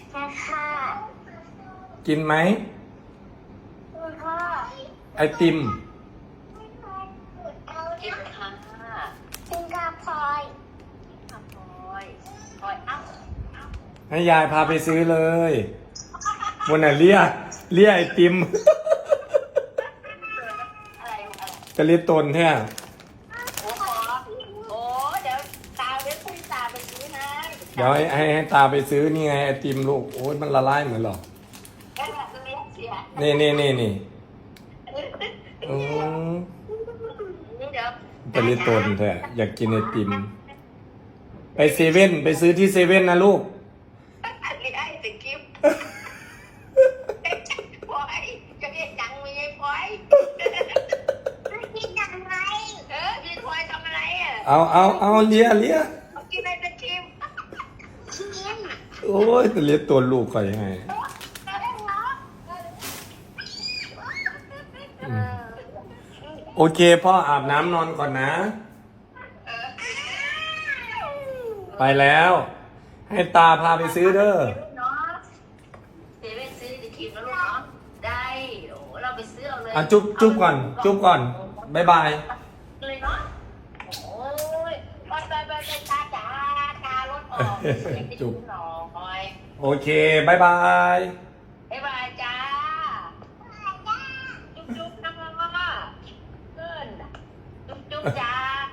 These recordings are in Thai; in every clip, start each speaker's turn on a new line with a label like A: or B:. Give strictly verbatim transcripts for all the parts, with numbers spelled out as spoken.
A: ค่ะ
B: กินไหม
A: ค่ะ
B: ไอติม
C: กินค่ะ
A: กินกาพลอย
C: ค่ะพลอยพลอยอ้ำ
B: ให้ยายพาไปซื้อเลยวันน่ะเลียเลียไอติม
C: อะไรอะไร
B: จะเลียตนแท้
C: โอ้โหโอ้เดี๋ยวตาเว้นคุยตาไปซื้อนะ
B: เดี๋ยวให้ให้ให้ตาไปซื้อนี่ไงไอติมลูกโอ้ยมันละลายเหมือนหรอ
C: แค่แบบเลี้ยงเสีย
B: นี่นี่นี่นี่อืม
C: เดี๋ยว
B: จะเลียตนแท้อยากกินไอติม ไปเซเว่นไปซื้อที่เซเว่นนะลูก
C: อันนี้ไอ้ตะกิ๊บพลอยจะเรียกยังมีไอ้พลอย
A: กินยังไง
C: เออพี่พลอยทำอะไรอ่ะ
B: เอาเอาเอาเลียเลีย
C: เขากินอะไรตะกิ๊บ
A: กิน
B: โอ้ยจะเลียตัวลูกก่อนยังไง
C: เออ
B: โอเคพ่ออาบน้ำนอนก่อนนะ ไปแล้ว ให้ตาพาไปซื้อเด้อ
C: เนาะเซเว่นซื้อตะกิ๊บแล้วลูกเนาะได้โอ้เราไปซื้อเอาเลย
B: อ่ะจุ๊บจุ๊บก่อน จุ๊บก่อนบ๊ายบาย
C: เลยเนาะโอ้ยไปไปไปไปตาจ๋าตารถออก
B: จุ๊บ
C: หน่อย
B: โอเคบ๊ายบาย
C: บ๊ายบายจ้าจุ๊บจุ๊บนะพ่อเพื่อนจุ๊บจุ๊บจ้า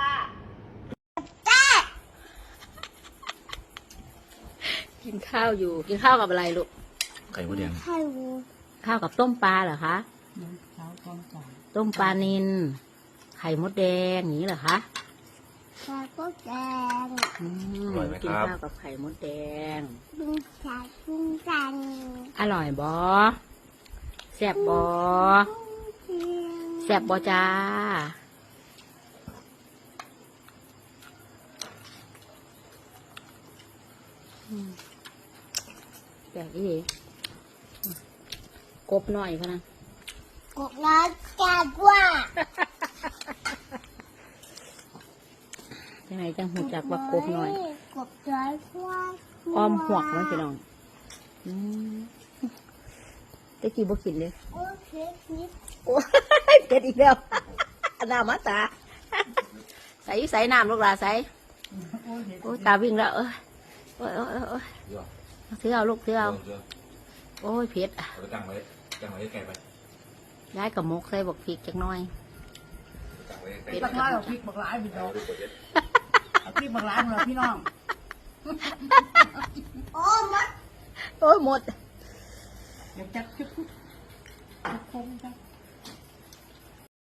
D: กินข้าวอยู่กินข้าวกับอะไรลูก
B: ไข่มดแดง
A: ไข่วู
D: ข้าวกับต้มปลาเหรอคะต้มปลานิลไข่มดแดงอย่างนี้เหรอคะ
A: ไข่ก็แดง
D: อืมกินข้าวกับไข่มดแดง
A: ลุงชายลุงจัน
D: อร่อยบอแซ่บบอแซ่บบอจ้าอืมแปลกอีดีกบหน่อยพะนะ
A: กบน้อยจัดว่า
D: จังไหนจังหูจักว่ากบหน่อย
A: กบน้อยว่า
D: อ้อมหวกไว้พี่น้องอืมตะกี้บ่กินเลย
A: โอเคคิด
D: โอ้ยเกิดอีกแล้ว น้ำมาตา ใส่ใส่น้ำลูกหลาใส่โอ้ยตาวิ่งแล้วเอ้ยโอ้ยโอ้ยโอ้ยถือเอาลูกถือเอาโอ้ยเผ็ด
B: เอาไปตั้งไว้ตั้งไว้ให้แกไป
D: ย้ายกับมกใส่บอกพริกจักหน้อย
B: ตั้งไว้ให้แก
D: เผ็ด
E: บักร้ายเอาพริกบักร้ายพี่น้องเอาพริกบักร้ายมาเลยพี่น้อง
A: โอ้มัด
D: โอ้ยหมด
E: เดี๋ยวจับจุ๊บจุ๊บคงจับ